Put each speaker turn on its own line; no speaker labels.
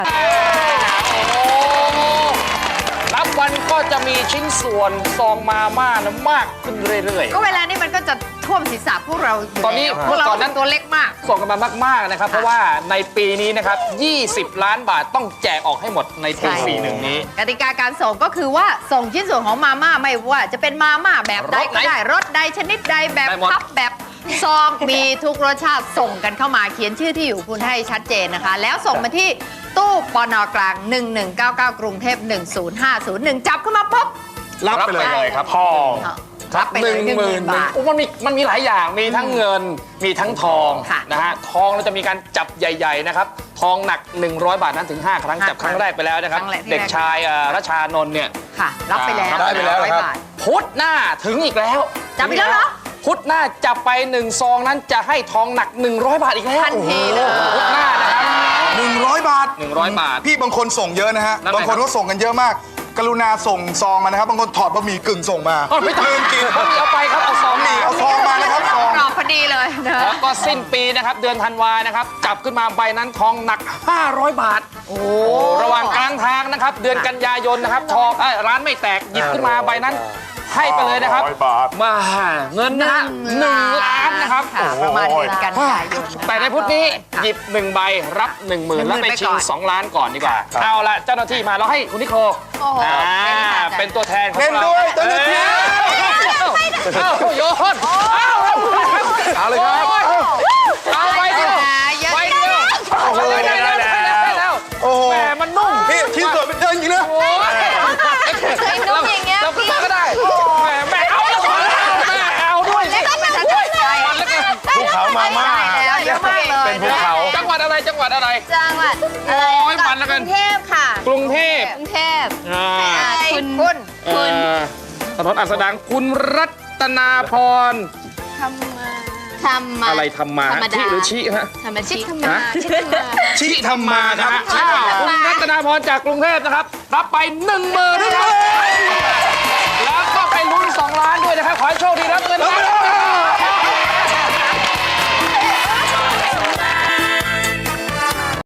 รับวันก็จะมีชิ้นส่วนซองมาม่านะมากขึ้นเรื่อยๆ
ก็เวลานี้มันก็จะท่วมศีรษะพวกเราอยู่
ตอนนี้
พวกเรา
ตอนนั้น
ตัวเล็กมาก
ส่งกันมามากๆนะครับเพราะว่าในปีนี้นะครับ20 ล้านบาทต้องแจกออกให้หมดในปี41นี้
กติกาการส่งก็คือว่าส่งชิ้นส่วนของมาม่าไม่ว่าจะเป็นมาม่าแบบใดก็ได้รสใดชนิดใดแบบพับแบบซองมีทุกรสชาติส่งกันเข้ามาเขียนชื่อที่อยู่คุณให้ชัดเจนนะคะแล้วส่งมาที่ตู้ปน.กลาง1199กรุงเทพ10501จับขึ้นมาปุ๊บ
รับไปเลยครับทอง
รับไปเลย10,000 บาท
มันมีหลายอย่างมีทั้งเงินมีทั้งทองนะฮะทองเราจะมีการจับใหญ่ๆนะครับทองหนัก100 บาทนั้นถึง5 ครั้งจับครั้งแรกไปแล้วนะครับเด็กชายรัชชานนท์เนี่ย
ค่ะรับไปแล้ว
ได้ไปแล้วครับ
พุธหน้าถึงอีกแล้ว
จับอีกแล้วเหรอ
พุธหน้าจับไป1 ซองนั้นจะให้ทองหนัก100 บาทอีกแล้ว
ทันทีเลย
พุธหน้านะครับ
100 บาท
100 บาท
พี่บางคนส่งเยอะนะฮะ
นั่นไง
บางคนก็ส่งกันเยอะมาก กรุณาส่งซองมานะครับ บางคนถอดบะหมี่กึ่งส่งมา
ไม่ต้อง
ลืมกิน
เอาไปครับเอาซอง
นี่เอาซองมานะครับซอง
กรอบพอดีเลยนะ
แล้วก็สิ้นปีนะครับเดือนธันวานะครับจับขึ้นมาใบนั้นทองหนัก500 บาท
โอ้
ระหว่างกลางทางนะครับเดือนกันยายนนะครับทองร้านไม่แตกหยิบขึ้นมาใบนั้นให้ไปเลยนะครับ
500 บาท
มาเงินนะฮะ1 ล้านนะครับ
ค่ะประมาณเดือนกันยายน
แต่ในพุธนี้หยิบ1 ใบรับ 10,000 แล้วไปชิง2 ล้านก่อนดีกว่าเอาละเจ้าหน้าที่มาเราให้คุณนิโค
โอ้โห
เป็นตัวแทนของ
เล่น
เรา
ด้วยเจ้าหน้าที่
โยนเอาเลยครับเอาไปเดียวไปเดียวโอ้โหได้แล้ว
โอ้โห
แหมมันนุ่ม
พี่ชิ้นส่วนเป็นเดินจริงนะ
โอ้ย
เคยนุ่มอย่างเงี้ย
เรา
พี่
ก็ได้แม่เอาแม่เอาด้วยสิ
แล้วก็มันจะใจ
ภูเขามาม่า
แล้วเยอะมากเลย
เป็นภูเขา
จังหวัดอะไรจังหวัดอะไร
จังหวัด
โอ้ยมันแล้วกัน
กรุงเทพค่ะ
กรุงเทพ
กรุงเทพ
คุณ
ถนนอัสดางคุณรัตนาพร
ทำมา
อะไรทำมา
ธรรมดา
ที่หรือชิฮะ
ธรรมชิทำมาชิทำมา
ชิทำมาครับ
คุณรัตนาพรจากกรุงเทพนะครับ รับไป10,000ด้วยครับแล้วก็ไปลุ้น2 ล้าน